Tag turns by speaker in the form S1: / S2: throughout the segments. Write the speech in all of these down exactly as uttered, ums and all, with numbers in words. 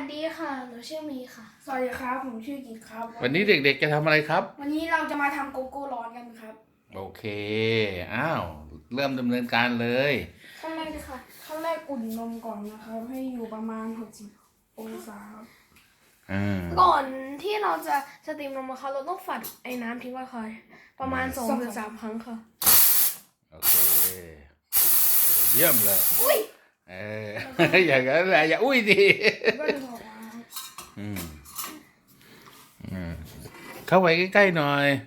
S1: ดีค่ะหนูชื่อมีค่ะ
S2: สวัสดีครับผมชื่อกิ๊กครับ
S3: วันนี้เด็กๆจะทำอะไรครับ
S2: วันนี้เราจะมาทำโกโก้ร้อนกันครับ
S3: โอเคอ้าวเริ่มดำเนินการเลย
S2: ขั้นแรกค่ะขั้นแรกอุ่นนมก่อนนะครับให้อยู่ประมาณหกสิบองศาครับ
S1: ก่อนที่เราจะสตรีมนมนะคะเราต้องฝัดไอ้น้ำทิ้งไว้ค่ะประมาณสองถึงสามครั้งค่ะ
S3: โอเคเยี่ยมเลย
S1: อุ้ย
S3: เอออย่างนั้นแหละอย่าอุ้ยดิ
S2: ก็จะบอกว่า
S3: อืมอืมเข้าไปใกล้ๆหน่อย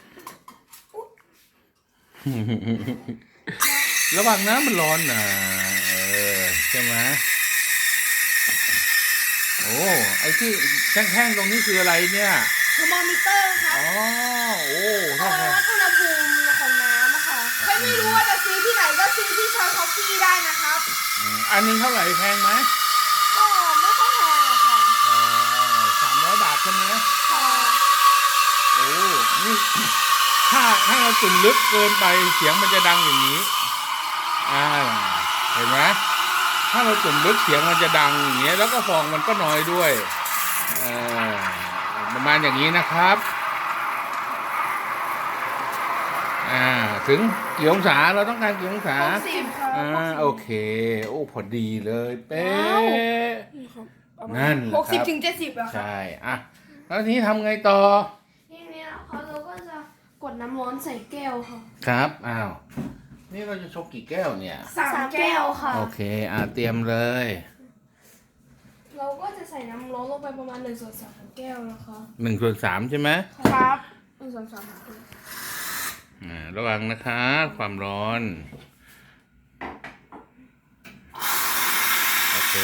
S3: ระวังน้ำมันร้อนนะเออใช่ไหมโอ้ไอ้ที่แท่งๆตรงนี้คืออะไรเนี่ย
S1: เทอร์โมมิเตอร์ครับ
S3: อ๋อโอ้
S1: ถ้าวัดอุณหภูมิของน้ำอะค่ะ
S2: ใครไม่รู้ว่าจะซื้อที่ไหนก็ซื้อที่ช้อนคอฟฟี่ได้นะครับ
S3: อันนี้เท่าไหร่แพงไหม
S1: ก็ไม่ค่อยแพงค่ะ
S3: สามร้อยบาทใช่ไหม
S1: ค่ะ
S3: โอ้นี่ถ้าถ้าเราจุ่มลึกเกินไปเสียงมันจะดังอย่างนี้อ่าเห็นไหมถ้าเราจุ่มลึกเสียงมันจะดังอย่างเงี้ยแล้วก็ฟองมันก็น้อยด้วยเออประมาณอย่างนี้นะครับอ่าถึงกี่องศาเราต้องการกี่องศา
S1: หกสิบค่ะ
S3: อ่าโอเคโอ้พอดีเลยเป๊ะนั่นแหละ
S2: หกสิบ
S3: ครับ
S2: ถึงเจ็ดสิบอะครับ
S3: ใช่อ่ะแล้วทีนี้ทำไงต่อ
S1: ทีนี้นะคะเราก็จะกดน้ำร้อนใส่แก้วค่ะ
S3: ครับอ้าวนี่เราจะชกกี่แก้วเนี่ย
S2: สามแก้ว
S1: ค่ะ
S3: โอเคอ่ะเตรียมเลย
S1: เราก็จะใส่น้ำร้อนลงไปประมาณหนึ่งส่วนสามของแก้วนะคะ
S3: หนึ่งส่วนสามใช่ไหม
S2: ครับหนึ่งส่วนสาม
S3: อ่าระวังนะคะความร้อนโอเค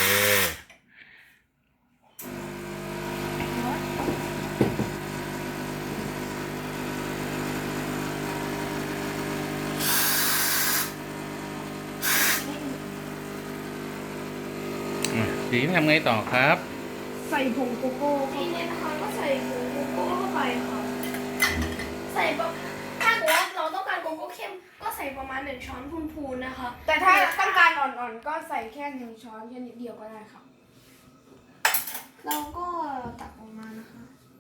S3: ทีนี้ทำไงต่อครับ
S2: ใส่ผงโกโก้
S1: ทีนี้นะคะก็ใส่ผงโกโก้เข้าไปค่ะใส่แบบถ้าเกิดว่าเราต้องการโกโก้เข้มก็ใส่ประมาณหนึ่งช้อนพูนๆนะคะ
S2: แต่ถ้าต้องการอ่อนๆก็ใส่แค่หนึ่งช้อนแค่นิดเดียวก็ได้ครับ
S1: เราก็ตักออกมานะคะ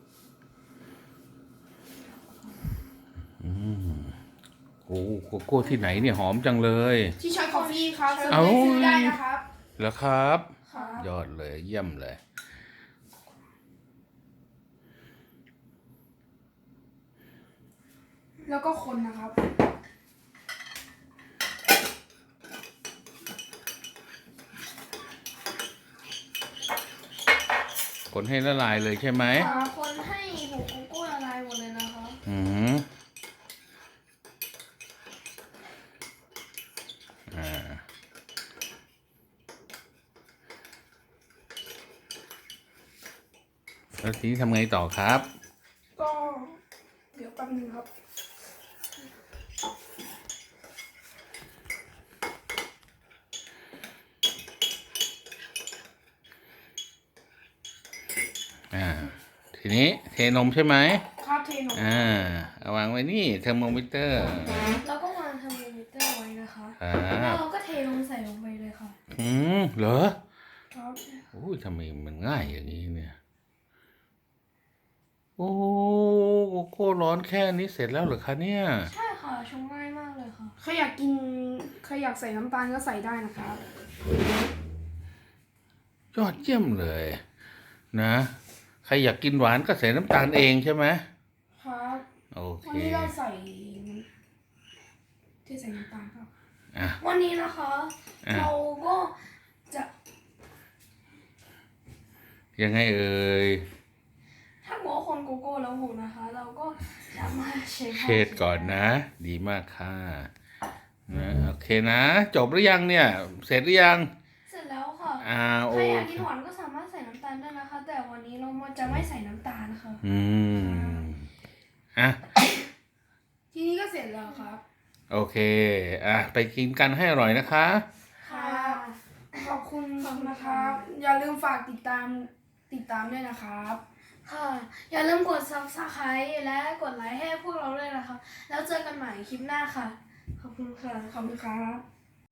S3: อืมโอ้โกโก้ที่ไหนเนี่ยหอมจังเลย
S2: ที่ช้อนคอฟฟี่ครับซื้อได้นะครับ
S3: เหรอครับ
S2: ครับ
S3: ยอดเลยเยี่ยมเลย
S2: แล้วก็คนนะครับ
S3: คนให้ละลายเลยใช่ไหม
S1: คนให้ผงโกโก้ละลายหมดเลยนะคะ
S3: อืมอ่าแล้วทีนี้ทำไงต่อครับ
S2: ก็เดี๋ยวแป๊บนึงครับ
S3: อ่าทีนี้เทนมใช่ไหม
S2: ครับเทนม
S3: อ่าเอาวางไว้นี่เทอร์โมมิเตอร์
S1: เราก็วางเทอร์โมมิเตอร์ไว้นะคะ
S3: แล้
S1: วเราก็เทลงใส่ลงไปเลยค่ะ
S3: อืมเหรอ
S2: ครับ
S3: โอ้ยทำไมมันง่ายอย่างนี้เนี่ยโอ้โกโก้ร้อนแค่นี้เสร็จแล้วเหรอคะเนี่ย
S1: ใช่ค่ะชงง่ายมากเลยค่ะ
S2: ใครอยากกินใครอยากใส่น้ำตาลก็ใส่ได้นะครับ
S3: ยอดเยี่ยมเลยนะใครอยากกินหวานก็ใส่น้ำตาลเองใช่ไหม
S2: ครับ
S3: โอเค
S2: วันนี้เราใส่ที่ใส่น้ำตาลครับ
S3: อ่ะ
S1: วันนี้นะคะเราก็จะ
S3: ยังไงเอ่ย
S1: ถ้าหัวคนโกโก้แล้วหกนะคะ เราก็จะมาเช็ด
S3: เช็ดก่อนนะ ดีมากค่ะนะโอเคนะจบหรือยังเนี่ยเสร็จหรือยัง
S1: เสร็จแล้วค่ะ
S3: อ่าโอ
S1: ใครอยากกินหวานก็สามารถใส่น้ำตาลได้นะคะ แต่วันนี้เราจะไม่ใส่น้ำตาลนะคะ
S3: อืมอ่ะ
S2: ทีนี้ก็เสร็จแล้วครับ
S3: โอเคอ่ะไปกินกันให้อร่อยนะคะ
S2: ครับขอบคุณนะครับอย่าลืมฝากติดตามติดตามด้วยนะครับ
S1: ค่ะอย่าลืมกด ซับสไครบ์ และกดไลค์ให้พวกเราด้วยนะคะแล้วเจอกันใหม่คลิปหน้าค่ะขอบคุณค่ะ
S2: ขอบคุณครับ